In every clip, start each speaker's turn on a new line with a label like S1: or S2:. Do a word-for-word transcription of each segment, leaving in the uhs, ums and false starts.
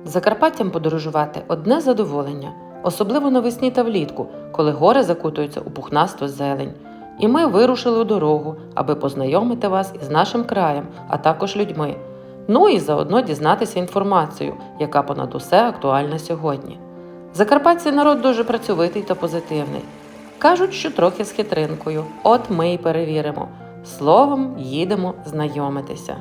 S1: Закарпаттям подорожувати – одне задоволення, особливо навесні та влітку, коли гори закутуються у пухнасту зелень. І ми вирушили у дорогу, аби познайомити вас із нашим краєм, а також людьми. Ну і заодно дізнатися інформацію, яка понад усе актуальна сьогодні. Закарпатський народ дуже працьовитий та позитивний. Кажуть, що трохи з хитринкою. От ми й перевіримо. Словом, їдемо знайомитися.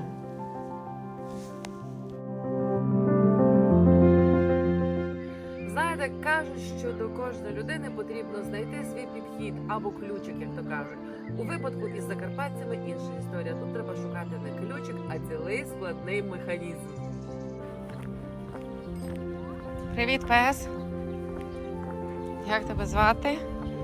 S1: Знаєте, кажуть, що до кожної людини потрібно знайти свій підхід або ключик, як то кажуть. У випадку із закарпатцями інша історія. Тут треба шукати не ключик, а цілий складний механізм. Привіт, пес! Як тебе звати?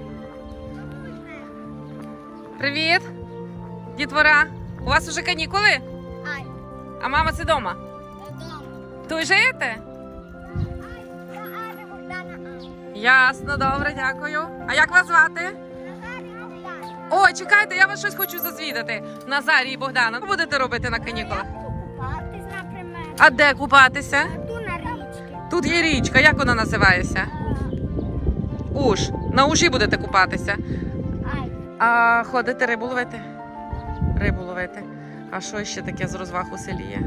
S1: Привіт! Дітвора! У вас уже канікули?
S2: Ай.
S1: А мама це дома?
S2: Дома.
S1: Тут живете?
S2: Я Аня Богдана Ай.
S1: Ясно, добре, дякую. А як вас звати?
S2: Назарій Богдана.
S1: Ой, чекайте, я вас щось хочу зазвідати. Назарій і Богдана, що будете робити на канікулах?
S2: Купатись, наприклад.
S1: А де купатися?
S2: Ту на річці.
S1: Тут є річка, як вона називається? Уж. На Ужі будете купатися.
S2: Ай.
S1: А ходите рибу ловити? Рибу ловити. А що ще таке з розваг у селі є?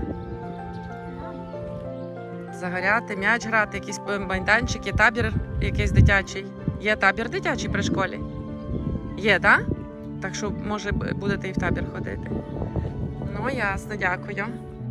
S1: Загоряти, м'яч грати, якісь майданчики, табір якийсь дитячий. Є табір дитячий при школі? Є, так? Да? Так що, може, будете і в табір ходити. Ну, ясно, дякую.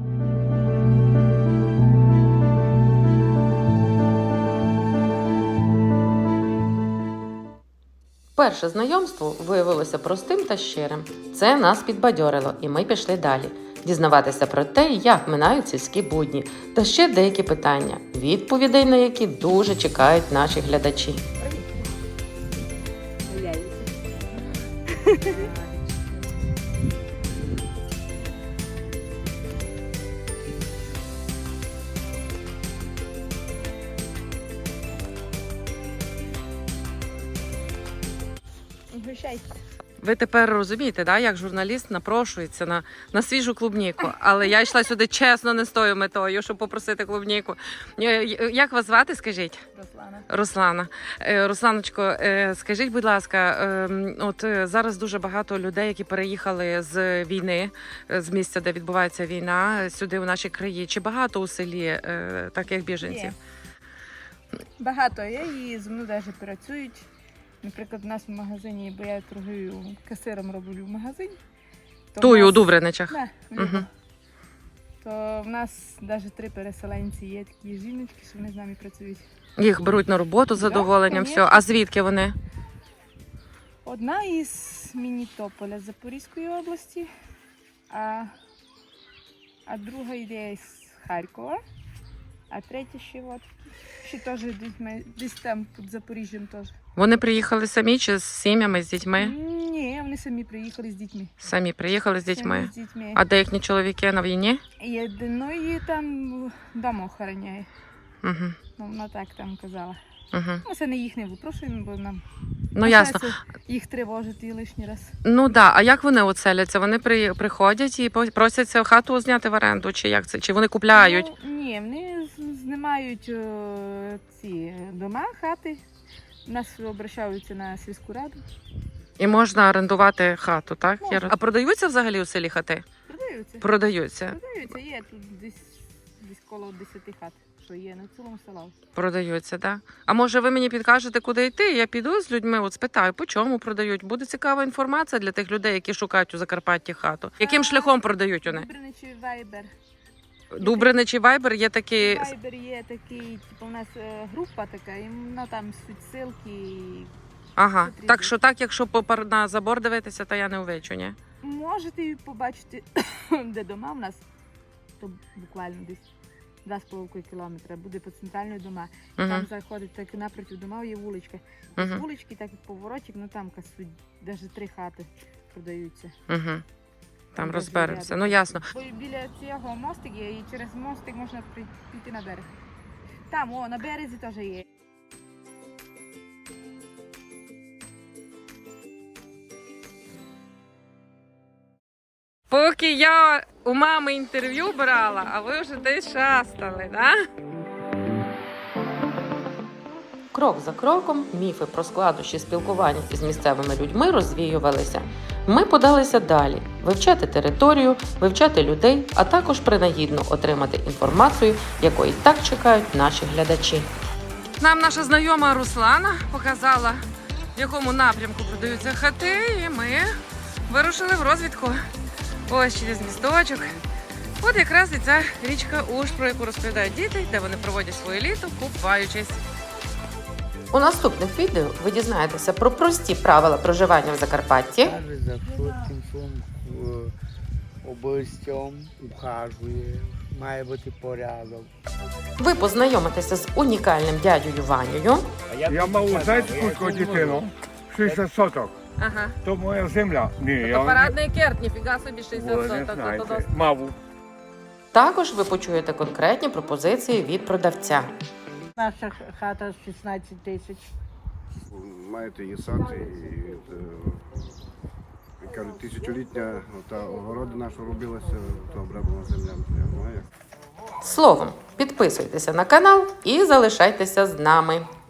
S1: Перше знайомство виявилося простим та щирим. Це нас підбадьорило, і ми пішли далі. Дізнаватися про те, як минають сільські будні, та ще деякі питання, відповідей на які дуже чекають наші глядачі. Ви тепер розумієте, да, як журналіст напрошується на, на свіжу клубніку. Але я йшла сюди чесно не з тою метою, щоб попросити клубніку. Як вас звати, скажіть?
S3: Руслана.
S1: Руслана. Е, Русланочко, е, скажіть, будь ласка, е, от е, зараз дуже багато людей, які переїхали з війни, з місця, де відбувається війна, сюди у наші краї. Чи багато у селі е, таких біженців?
S3: Є. Багато є і зі мною навіть працюють. Наприклад, у нас в магазині, бо я торгую касиром, роблю в магазині. То
S1: Тую
S3: в
S1: у
S3: нас-
S1: Дубриничах.
S3: Да, в
S1: Мгм.
S3: Любо. То в нас навіть три переселенці є, такі жіночки, що вони з нами працюють.
S1: Їх беруть на роботу з
S3: Да,
S1: задоволенням, все.
S3: конечно.
S1: А звідки вони?
S3: Одна із Мінітополя з Запорізької області, а, а друга йде з Харкова, а третя ще от, ще теж десь, ми- десь там під Запоріжжям теж.
S1: Вони приїхали самі чи з сім'ями, з дітьми?
S3: Ні, вони самі приїхали з дітьми.
S1: Самі приїхали з
S3: Самі
S1: дітьми.
S3: з дітьми.
S1: А де їхні чоловіки на війні?
S3: Єдиної там дома охороняє.
S1: Угу.
S3: Ну, вона так там казала.
S1: Угу.
S3: Ми це не їх не випрошуємо, бо нам
S1: Ну ясно.
S3: почнеться їх тривожити лишній раз.
S1: Ну да. А як вони оселяться? Вони при, приходять і по- просяться хату зняти в оренду, чи як це? Чи вони купляють?
S3: Ну, ні, вони з- знімають е, ці дома, хати. У нас обращаються на сільську раду.
S1: І можна орендувати хату, так?
S3: Можна.
S1: Я роз- А продаються взагалі у селі хати?
S3: Продаються.
S1: Продаються.
S3: Продаються, є тут десь, десь коло десяти хат, що є на цілому селі.
S1: Продаються, так. А може ви мені підкажете, куди йти? Я піду з людьми, от спитаю, по чому продають. Буде цікава інформація для тих людей, які шукають у Закарпатті хату. Яким
S3: А,
S1: шляхом продають вони?
S3: Дубриничі Вайбер.
S1: Дубрини чи Вайбер є такі.
S3: Вайбер є такий, типу, у нас е, група така, і вона там суть ссылки. і
S1: Ага.
S3: потрібно.
S1: Так що так, якщо попар на забор дивитися, то я не увечу, ні?
S3: Можете і побачити, де дома в нас, то буквально десь два з половиною кілометра, буде по центральної дома.
S1: Угу.
S3: Там заходить так напроти дома, є вуличка.
S1: Угу.
S3: З вулички, так і поворотик, ну там касуть, навіть три хати продаються.
S1: Угу. Там
S3: Там
S1: розберемося.
S3: рядом.
S1: Ну ясно.
S3: Бо біля цього мостик є, і через мостик можна при- піти на берег. Там, о, на березі теж є.
S1: Поки я у мами інтерв'ю брала, а ви вже десь шастали, да? крок за кроком міфи про складнощі спілкування із місцевими людьми розвіювалися. Ми подалися далі – вивчати територію, вивчати людей, а також принагідно отримати інформацію, якої так чекають наші глядачі. Нам наша знайома Руслана показала, в якому напрямку продаються хати, і ми вирушили в розвідку. Ось через місточок. От якраз і ця річка Уж, про яку розповідають діти, де вони проводять своє літо, купаючись. У наступних відео ви дізнаєтеся про прості правила проживання в Закарпатті,
S4: Каже, за коротким словом областям ухажує, має бути порядок.
S1: ви познайомитеся з унікальним дядею Ванею,
S5: Я мав знаєте, скільки дитину? шістдесят соток.
S1: ага.
S5: То моя земля. Ні, я
S1: парадний керт, ніфіга собі
S5: ви не знаєте. Маву.
S1: Також ви почуєте конкретні пропозиції від продавця.
S6: Наша хата шістнадцять тисяч.
S7: Маєте її сад і, і, і кажуть, тисячолітня та огорода наша робилася, то обраблена земля. Ну, а як?
S1: Словом, підписуйтеся на канал і залишайтеся з нами.